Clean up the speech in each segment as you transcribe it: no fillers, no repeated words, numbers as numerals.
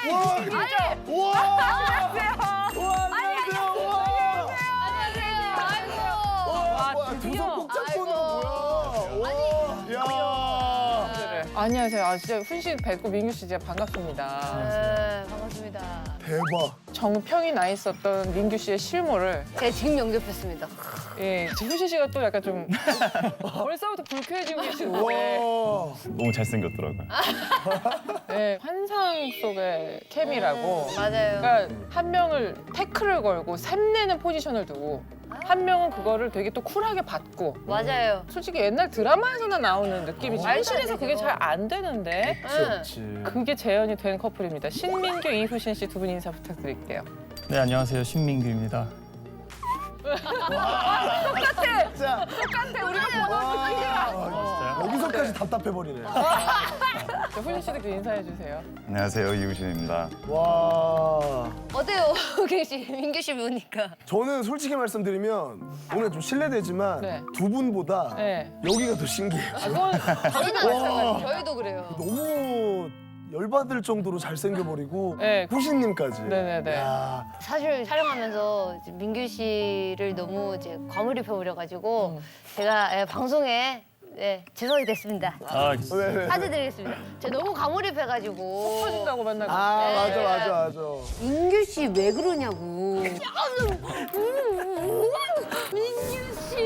우와. 두손 꼭 잡고 오는 거 뭐야? 야. 안녕하세요. 아 진짜 훈씨 뵙고 민규 씨 진짜 반갑습니다. 네, 반갑습니다. 대박. 정평이 나 있었던 민규 씨의 실물을 제가 지금 영접했습니다. 예, 훈씨 씨가 또 약간 좀 벌써부터 불쾌해지고 계시는데 와. 너무 잘생겼더라고요. 예, 환상 속의 케미라고. 맞아요. 그러니까 한 명을 태클을 걸고 샘내는 포지션을 두고 한 명은 그거를 되게 또 쿨하게 받고 맞아요. 솔직히 옛날 드라마에서나 나오는 느낌이지 말도 안 현실에서 그게 되죠. 잘 안 되는데 그렇지. 그게 재현이 된 커플입니다. 신민규, 이후신 씨 두 분 인사 부탁드릴게요. 네, 안녕하세요. 신민규입니다. 진짜. 똑같아, 우리가 보던 느낌이랑. 여기서까지 답답해 버리네. 후신 씨도 그 인사해 주세요. 안녕하세요, 이우신입니다. 와. 어때요, 우기 씨, 민규 씨 보니까? 저는 솔직히 말씀드리면 오늘 좀 실례되지만 네. 두 분보다 네. 여기가 더 신기해요. 아, 그건 저희는 마찬가지. 저희도 그래요. 너무 열받을 정도로 잘생겨버리고 네. 후신님까지. 네네네. 야. 사실 촬영하면서 이제 민규 씨를 너무 이제 과몰입해버려가지고 제가 방송에 죄송하게 됐습니다. 네. 사죄드리겠습니다. 제가 너무 과몰입해가지고. 터진다고 맨날. 아 맞아 맞아 맞아. 민규 씨 왜 그러냐고. 민규 씨.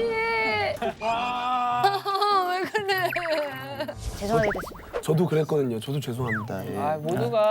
왜 그래? 죄송하게 됐습니다. 저도 그랬거든요. 저도 죄송합니다. 예. 아,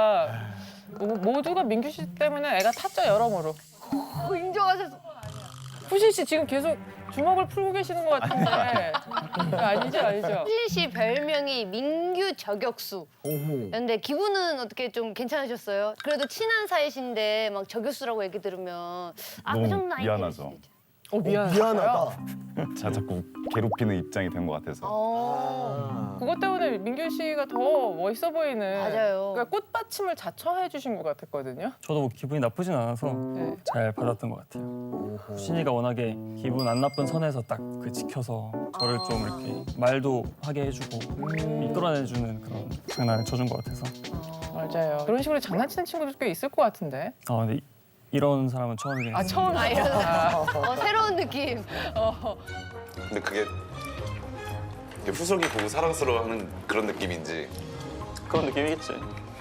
모두가 민규 씨 때문에 애가 탔죠, 여러모로. 인정하셨어. 후신 씨 지금 계속 주먹을 풀고 계시는 것 같은데. 아니죠. 수진 씨 별명이 민규 저격수. 오호. 근데 기분은 어떻게 좀 괜찮으셨어요? 그래도 친한 사이신데 막 저격수라고 얘기 들으면 너무 그 정도는 아니겠지. 미안하죠. 미안하다. 제가 자꾸 괴롭히는 입장이 된 것 같아서. 그것 때문에 민규 씨가 더 멋있어 보이는. 맞아요. 그러니까 꽃받침을 자처해 주신 것 같았거든요. 저도 뭐 기분이 나쁘진 않아서 네. 잘 받았던 것 같아요. 신이가 워낙에 기분 안 나쁜 선에서 딱 그 지켜서 저를 좀 이렇게 말도 하게 해주고 이끌어내주는 그런 장난을 쳐준 것 같아서. 맞아요. 그런 식으로 장난치는 친구들 꽤 있을 것 같은데. 근데 이런 사람은 처음이긴 아, 했어요. 처음 새로운 느낌. 근데 그게 후속이 보고 사랑스러워하는 그런 느낌인지 그런 느낌이겠지.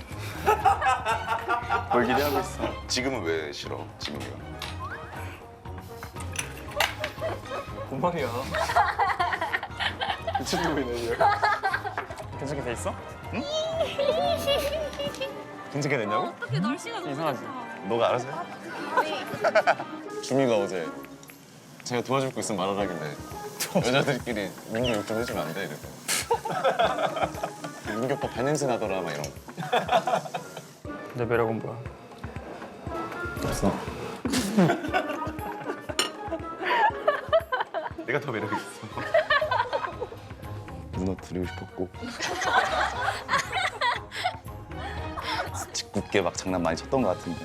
뭘 기대하고 있어. 지금은 왜 싫어? 지금이요? 곰팡이야. 미친 놈이네 얘. 괜찮게 돼 있어? 응? 괜찮게 됐냐고? 어떻게 날씨가 너무 이상하지? 너가 알아서 해. 주미가 어제 제가 도와줄 거 있으면 말하라길래 여자들끼리 민규 욕 좀 해주면 안 돼? 이래서 민규 오빠 발냄새 나더라 막 이런 거. 내 매력은 뭐야? 없어. 내가 더 매력 있어. 무너뜨리고 싶었고 짓궂게 막 장난 많이 쳤던 것 같은데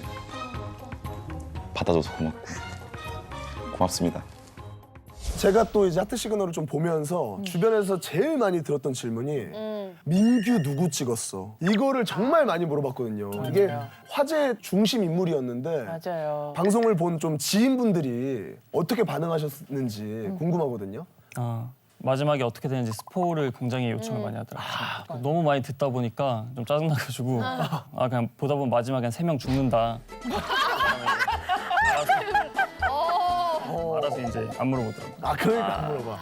받아줘서 고맙습니다. 제가 또 이제 하트 시그널을 좀 보면서 주변에서 제일 많이 들었던 질문이 민규 누구 찍었어? 이거를 정말 많이 물어봤거든요. 이게 화제 중심 인물이었는데 맞아요. 방송을 본 좀 지인분들이 어떻게 반응하셨는지 궁금하거든요. 마지막에 어떻게 되는지 스포를 굉장히 요청을 많이 하더라고요. 너무 많이 듣다 보니까 좀 짜증나가지고 그냥 보다 보면 마지막에 한 3명 죽는다. 알아서 이제 안 물어보더라고요. 그러니까 안 물어봐.